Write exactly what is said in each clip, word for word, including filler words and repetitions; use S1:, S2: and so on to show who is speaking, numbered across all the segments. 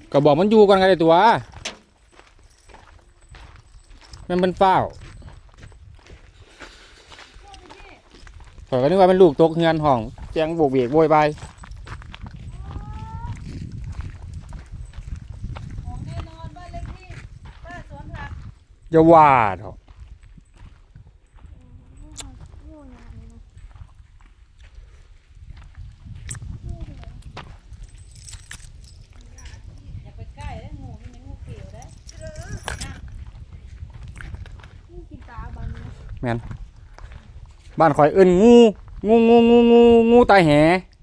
S1: ก็บอกมันอยู่กันกันเลยตัวมันเป็นเฝ้าข่อยก็นึกว่าเป็นลูกตกเงินห้องแจ้งโบกเบกโวยวายอย่าว่าเถอะแม่นบ้านข่อยเอิ้นงูงูงูงูงูงูตายแห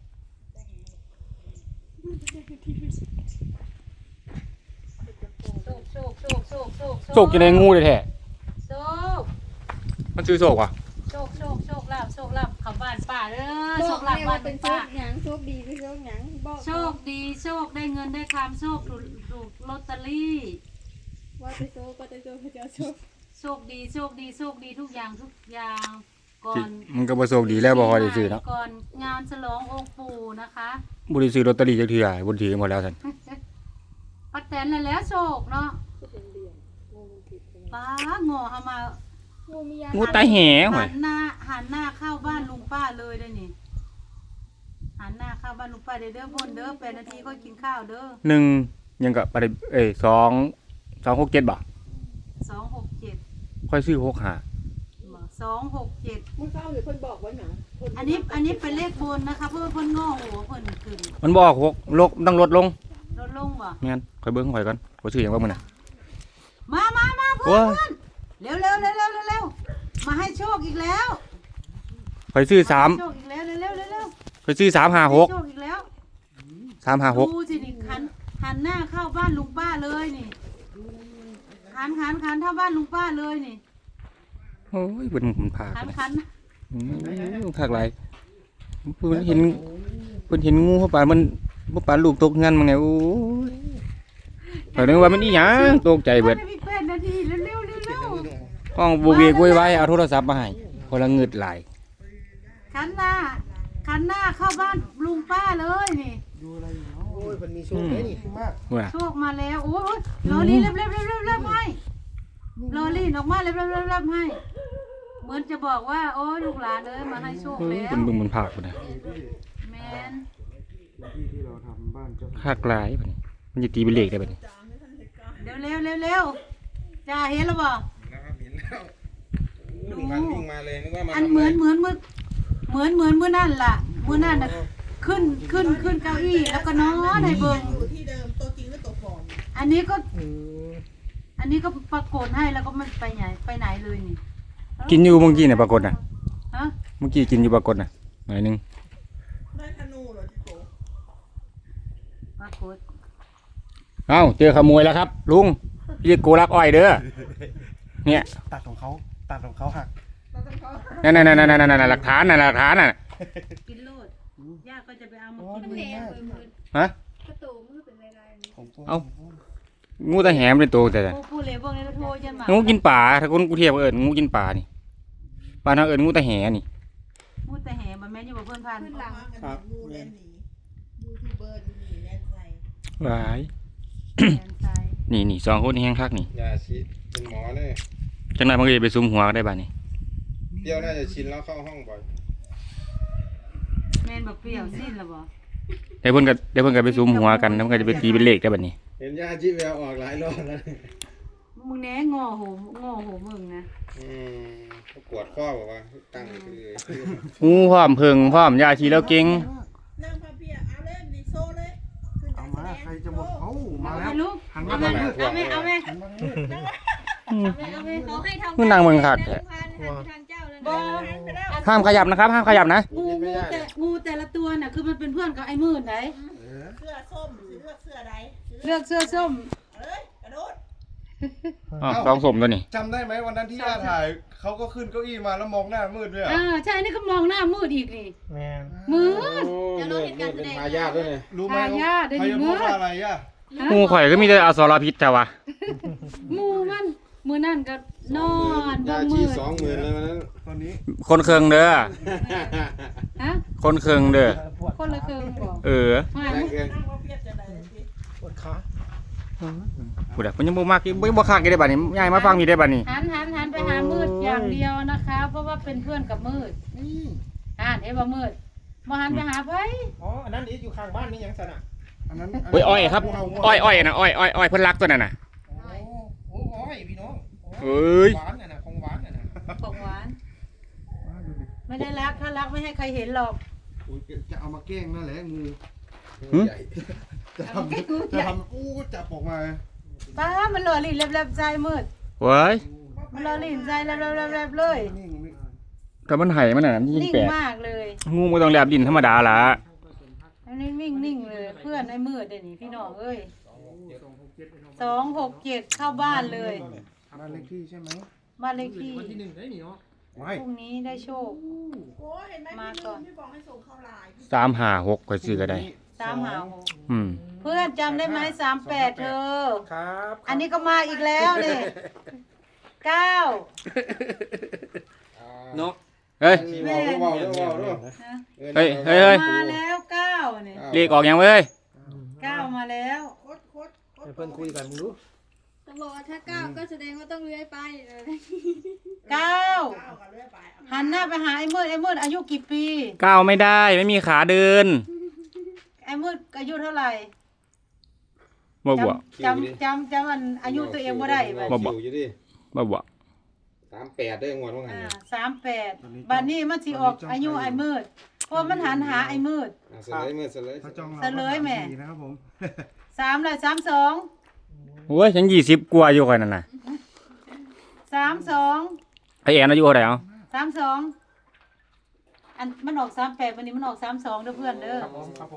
S1: โชคจะได้งูเลยแท้โชคมันชื่อโชคว่ะ
S2: โชคโชคโชคลาภโชคลาภเข้าบ้านป้าเด้อโชคลาภบ้านเป็นป้า
S3: หยังโชคดีไม่โชคหยังบอก
S2: โชคดีโชคได้เงินได้คำโชคถูกถูกลอตเตอรี่
S3: ว่าจะโชคก็จะโชคจะโชค
S2: โชคดีโชคดีโชคดีทุกอย่างทุกอย่างก่อน
S1: มันก็บ่โชคดีแล้วบ่ค่อยได้ซื้อเนาะ
S2: ก่อนงานฉลององค์ปู่นะคะ
S1: บ่ได้ซื้อลอตเตอรี่จักเทื่อบ่ถือหมดแล้วซั่น
S2: ป้าแตนแล้วโชคเนาะป้าโง่เฮามา
S1: งูตายแหห่วย
S2: หันหน้าหันหน้าเข้าบ้านลุงป้าเลยได้นี่หันหน้าเข้าบ้านลุงป้าเด้อเด้อพ่นเด้อแปดนาทีค่อยกินข้าวเด้อ
S1: หนึ่งยังก็บ่ได้เอ้ยสอง สองหกเจ็ดบ่
S2: สองหกเจ็ด
S1: ค่อยซื้อหกห้า
S2: สองหกเจ็ด
S3: มึงเข้าหรือเพิ่นบอกไว้หยัง
S2: อันนี้อันนี้เป็นเลขบนนะคะเพื่อเพิ่นง้อหัวเพิ่นขึ้น
S1: มันบอกหกลกต้องลดลง
S2: ลดลงบ่
S1: แม่นค่อยเบิ่งข่อยก่อนข่อยซื้อหยังว่ามื้อน่ะ
S2: มามามาเพื่อนเร็วเร็วเร็วเร็วเร็วมาให้โชคอีกแล้ว
S1: ข่อยซื้อสาม
S2: โชคอีกแล้วเร็วเร็วเร็ว
S1: ข่อยซื้อสามห้าหก
S2: โชคอีกแล้ว
S1: สามห้าหก
S2: ดูสินี่หันหันหน้าเข้าบ้านลุงป้าเลยนี่หันหันหันเข้าบ้านลุงป้าเลยนี่
S1: โอ้ยเพิ่นมันพา
S2: หันหัน
S1: อืมคักหลายเพิ่นเห็นเพิ่นเห็นงูเข้าป่ามันบ่ปานลูกตกงานมันไงโอ้ยข่อยนึกว่ามันอีหยังตกใจเบิด
S2: แปดนาทีเร็วเร็วเร็วเร็ว
S1: ห้องบ่เวกโวยวายเอาโทรศัพท์มาให้คนละเงิดหลาย
S2: หันหน้าหันหน้าเข้าบ้านลุงป้าเลยนี่
S4: ดูอะไรอยู่เนาะโอ้ยมันมีโชคได้นี่มาก
S2: โชคมาแล้วโอ้ยรอลี่เร็วเร็วเร็วเร็วเร็วให้รอลี่ออกมาเร็วเร็วเร็วเร็วให้เหมือนจะบอกว่าโอ้ยลูกหลานเลยมาให้โชคแล้ว
S1: เป็นบึงมันภาคพุ่นน่ะ
S2: แม่น
S4: ที่ที่เราทำบ้านเจ้า
S1: ภาคหลายพุ่นมันจะตีเป็นเลขได้บัดนี้
S2: เร็วเร็วเร็วเร็วจ้าเห็นแล้วบ่
S4: วิ่งมาวิ่งมาเลยนึกว่ามา
S2: อันเหมือนเหมือนมือเหมือนเหมือนมือนั่นล่ะมือนั่นน่ะขึ้นขึ้นขึ้นเก้าอี้แล้วก็นอนให้เบิ่ง
S3: ที่เดิมตัวจริงหรือตัวปลอม
S2: อันนี้ก็อันนี้ก็ปรากฏให้แล้วก็มันไปไหนไปไหนเลยนี่
S1: กินอยู่เมื่อกี้น่ะปรากฏน่ะ
S2: ฮะ
S1: เมื่อกี้กินอยู่ปรากฏน่ะหน่อยนึง
S3: ได้ธนูเหรอจิโก
S2: ปรากฏ
S1: เอ้าเจอขโมยแล้วครับลุงเรียกโกลักอ้อยเด้อเนี่ย
S4: ตัดของเขาตัดของเขาหัก
S1: นั่นนั่นนั่นนั่นนั่นหลักฐานน่ะหลักฐานน่ะ
S2: กินโลดย่าก็จะไปเอามากิน
S1: ฮะ
S3: กระตูมือเป็นลาย
S1: ๆเอ้างูตาแหมเป็นตัวแต่
S2: พูดเลยพวกนี้โทรยันมา
S1: งูกินป่าถ้าคนกูเทียบเอิญงูกินป่านี่ป่าทางเอิญงูตาแหนี่
S2: งูตาแหมันแม่อยู่บ่เพิ่นพัน
S3: ขึ้นหลังครับงูแลนหนียูทูบเบอร์ดูนี่แลนใส่
S1: หลายนี่นี่สองคนแห้งคักนี่
S4: ยาชีเป็นหมอเนี่ย
S1: จังไหนมันก็จะไปซุ่มหัวได้บ้านี่
S4: เปรี้ยวน่าจะชินแล้วเข้าห้องบ่อย
S2: แม่นบ่เปรี้ยวสิ้นแล้วบ่
S1: เดี๋ยวเพิ่นก็เดี๋ยวเพิ่นก็ไปซุ่มหัวกันแล้วมันก็จะไปตีเป็นเลขได้บัดนี้
S4: เห็นยาชีแววออกหลายรอบแล้ว
S2: มึงแหน่งอหูงอหูมึงนะ
S4: อืมปวดข้อบอกว่าตั้งเลย
S1: งูพร้อมเพิงพร้อมยาชีแล้วเก่ง
S3: นั่งพาเพียเอาเล่นดิโซเลย
S4: เอามาใครจะบอกเขามาแล้ว
S2: หันมาเอาไหมเอาไหม
S1: มึงนั่งมึงขัดห้ามขยับนะครับห้ามขยับนะ
S2: งูงูแต่งูแต่ละตัวน่ะคือมันเป็นเพื่อนกับไอ้มืดไหน
S3: เสื้อส้มเลือกเสื้อใด
S2: เลือกเสื้อส้ม
S3: เอ้ยกระโดด
S1: อ๋อลองสมตัวนี้
S4: จำได้ไหมวันนั้นที่ย่าถ่ายเขาก็ขึ้นเก้าอี้มาแล้วมองหน้ามืดด้วย
S2: อ่าใช่นี่ก็มองหน้ามืดอีกนี่
S4: แม่
S2: มืด
S4: จะรู้เหตุการณ์เป็นทายาทด้วยเนี่ยรู้ไหม
S2: ทายาทได้ยินมืด
S4: อะไรย่า
S1: งูข่อยก็มีแต่อสรพิษแต่ว่า
S2: งูมันมือนั่นก็นอน
S4: บ่มือสองหมื่นเลยวันนั้นตอนนี้
S1: คนเคืองเด้อคนเคืองเด้อ
S2: คนละเคืองบอก
S1: เออ
S5: ปวดขา
S1: พูดอ่ะมันยังบ่มักอีกบ่บ่คักอีกได้บัดนี้ยายมาฟังนี่ได้บัดนี้
S2: หันหันหันไปหามืดอย่างเดียวนะคะ เพราะว่าเป็นเพื่อนกับมืด
S5: นี่
S2: อ่านเอ้บ่มืดบ่หันไปหาไผ
S5: อ๋ออันนั้นอีกอยู่ข้างบ้านนี่ยังสนะ
S4: อันนั้น
S1: โอ้ยอ้อยครับอ้อยอ้อยนะอ้อยอ้อยอ้อยเพิ่นรักตัวนั้นน่ะ
S5: โอ้โหอ้อยพี่น้อง
S1: เอ้ย
S5: หวานน่ะนะของหวานน่ะนะ
S2: ของหวาน ไม่ได้รักถ้ารักไม่ให้ใครเห็นหรอก
S4: โอ้ยจะเอามาแกล้งนั่นแหละงู
S1: หึ
S4: ใหญ่จะทำจะทำอู้จับออกมา
S2: ป้ามันหล่อหลีนแลบๆใจมืด
S1: เว้ย
S2: มันหล่อหลีนใจแลบๆๆๆเลย
S4: นิ่งนิ่ง
S1: ถ้ามันไห้มันน่ะมันยิ่ง
S2: นิ่ง
S1: แปลก
S2: มากเลย
S1: งูมันต้องแลบดินธรรมดาล่ะ
S2: อันนี้นิ่งนิ่งเลย เพื่อนไอ้มืดเดี๋ยวนี้พี่น้องเอ้ยสองหกเจ็ดเข้าบ้านเลย
S4: บ้านเลขที่ใช่ไหม
S2: บ้านเลขที่
S5: วันที่หนึ่งได้นี่เนาะ
S4: ไม่
S2: พรุ่งนี้ได้โชค
S3: โอ้เห็นไหม
S2: มา
S3: พี่
S2: ก่
S3: นุ่
S2: อน
S3: นพี่บอกให้ส่งเข้าไลน์
S1: สามห้าหกก็ซื้อก็ได้
S2: สามหาหก
S1: อืม
S2: เพื่อนจำได้ไหมสามแปดเธอ
S5: ครับ
S2: อันนี้ก็มาอีกแล้วเนี่ยเก้า
S5: เนาะ
S1: เฮ้ย
S4: ชี้บอกด้วยบอกด้วยบอกด้วย
S2: ฮะ
S1: เฮ้ยเฮ้ยเฮ้ย
S2: มาแล้วเก้าเนี่ย
S1: เลขออกยังเว้ย
S2: เก้ามาแล้ว
S3: โคตรโคตรโคตร
S5: ให้เพื่อนคุยกันมึงดู
S6: จะบอกว่าถ้าก้าวก็แสดงว่าต้องเลื้อยไปเออ
S2: เก้า
S3: เก้ากันเรื่อยไปเอา
S2: หันหน้าไปหาไอ้มืดไอ้มืดอายุกี่ปี
S1: ก้าวไม่ได้ไม่มีขาเดิน
S2: ไอ้มืดอายุเท่าไหร่
S1: บ่บ่
S2: จำจำจำมันอายุตัวเองบ่ได้บัด
S1: บ่บ่
S7: อยู่ดิ
S1: บ่บ่
S7: สามแปดได้งวดว่าไง
S2: อ่า
S7: เนี่ย
S2: สามแปดบัดนี้มันสิออกอายุไอ้มืดเพราะมันหันหาไอ้มืด
S7: อ่ะเสลยมือเสลย
S4: พระจ้องเรา
S2: เฉลยแม่
S4: ดีนะครับผม
S2: สามเลยสามสอง
S1: โอ้ยฉันยี่สิบกว่าอยู่ค่อยนั่นน่ะ
S2: สามสอง
S1: ไอ้แอนอายุเท่าไหร่เอา
S2: สามสองอันมันออกสามแปดวันนี้มันออกสามสองเด้อเพื่อนเด้อ
S5: ครับผมครับผม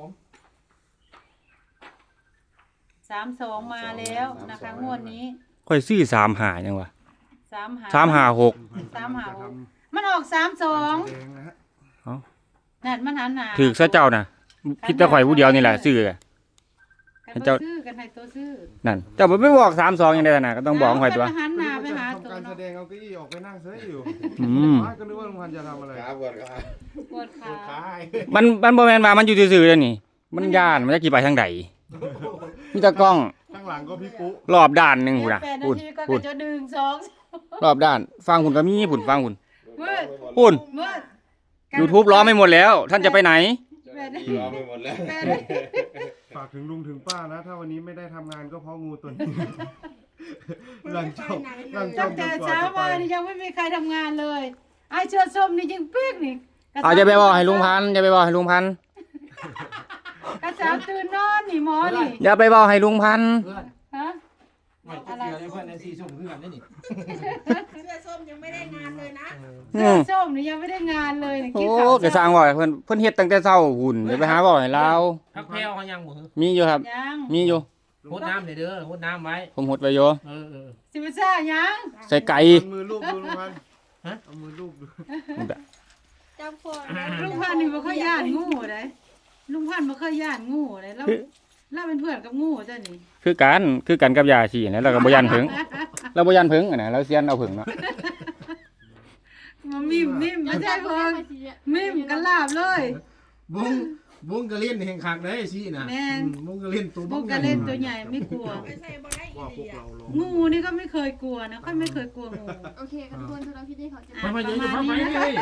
S2: สามสองมาแล้วนะคะงวดนี้
S1: ค่อยซื้อสามหายังวะ
S2: สามหา
S1: สามหาหก
S2: สามหาหกมันออกสามสอง
S4: แดงนะฮะ
S2: นั่นมันหันหนา
S1: ถือซะเจ้าน่ะคิดแต่ข่อยผู้เดียวนี่แหละซื้อ
S2: กัน
S1: ให้
S2: บ่
S1: เจ้า
S2: ซื้อกันให้ตัวซื้อ
S1: นั่นเจ้าบ่ไปบอกสามสองยังได้น่ะก็ต้องบอกข่อยตัว
S2: กันหันหน้าไปหา
S4: ทำ
S2: ตัว
S4: การแส
S2: เนาะ
S4: ดงเอาเก้าอี้ออกไปนั่งเฉยอยู่
S1: อืม
S4: ว่าก็นึกว่าลุงพันธุ์จะทำอะไร
S7: ขาบวชครับ
S2: ปวดขา
S5: ขาย
S1: มันมันบ่แม่นว่ามันอยู่ซื่อๆเด้อนี่ มันย่านมันจะกี่ไปทางใดมีแต่กล้อง
S4: ข้างหลังก็พี่ปุ๊
S1: รอบด้านหนึงพุ่นน่ะ
S2: แปดนา
S1: พุ่น
S2: ทีก็
S1: พุ่น
S2: จะดึงสอง
S1: รอบด้าน ฟังพุ่นก็มีพุ่นฟังพุ่น
S2: มืด
S1: พุ่น
S2: มืด
S1: YouTube ล้อไม่หมดแล้ว ท่านจะไปไหน
S7: เจ้าหน้าที่รอไปหมดแล้ว
S2: แปดนาที
S4: ฝากถึงลุงถึงป้านะ ถ้าวันนี้ไม่ได้ทำงานก็เพราะงูตัวนี้นั่งจ้องนั่งจ้
S2: ตั้
S4: อง
S2: ง
S4: จ
S2: แต่
S4: นกว่า
S2: เช้า
S4: จะไป
S2: มานี่ยังไม่มีใครทำงานเลยไอ้เชือส้มนี่ยิงปีกนี่กระ
S1: เอา
S2: สาว
S1: อย่าไปบอกให้ลุงพันธุ์อย่าไปบอกให้ลุงพันธุ์
S2: กระสาวตื่นนอนนี่หมอนี่
S1: อย่าไปบอกให้ลุงพันธุ์
S5: เพื่อน
S2: ฮะ
S5: ไม่เชื่อเลยเพื่อนในซีสุ่มเพื่อนได้นี่
S3: เสื้อส้มยังไม่ได้งานเลยนะ
S2: เสื้อส้มนี่ยังไม่ได้งานเลยนี่
S1: โอ้
S2: คิดข่าว
S1: กระสร้างบ่อยเพิ่นเพิ่นเฮ็ดตั้งแต่เช้าหุ่นเดี๋ยวไปหาบ่ให้เรา
S5: พักแพลวเขายังบ่
S1: มีอยู่ครับ
S2: ยัง
S1: มีอยู่
S5: โคตรน้ำเลยเด้อโคตรน้ำไว้
S1: ผมหดไว้อยู่
S5: เออเออ
S2: สิบซ่ายัง
S1: ใส่ไก่
S4: เอามือลูบดูลุงพันธุ์
S5: ฮะ
S4: เอามือลูบดู
S6: จำคนไว้
S2: ลุงพันธุ์นี่บ่เคยย่านงูเลยลุงพันธุ์บ่เคยย่านงูเลยแล้วแล้วเป็นเพื่อนกับงูจ้ะนี่
S1: คือกันคือกันกับยาชีนะเราก็บ่ยันผึ้งเราบ่ยันผึ้งอะนะเราเซียนเอาผึ้งเนาะ
S2: มามิมมิมไม่ใช่
S6: ค
S2: เพิ่
S6: น
S2: นมิมกันลาบเลย
S5: บุ้งบุ้งกระเล่นแห่งคักได้สินะ
S2: แม่น
S5: อืมบุ้งกระเล่นตัว
S2: พวกกระเล่นตัวใหญ่ไม่กลัว
S3: ไม่ใช่บ่ได้อี
S4: ว่าพ
S3: เดี
S4: วก
S3: ย
S4: เราลง
S2: งูนี่ก็ไม่เคยกลัวนะค่อยไม่เคยกลัวงู
S6: โอเคค่ะทุกคนทุกเราพี่ได้เขาจะ
S2: อ่ะ
S5: มา
S2: ป
S5: มา
S2: ระ
S5: เยอะ
S2: มาณ
S5: มา
S2: นี้
S5: ไป
S2: นะ
S5: เลย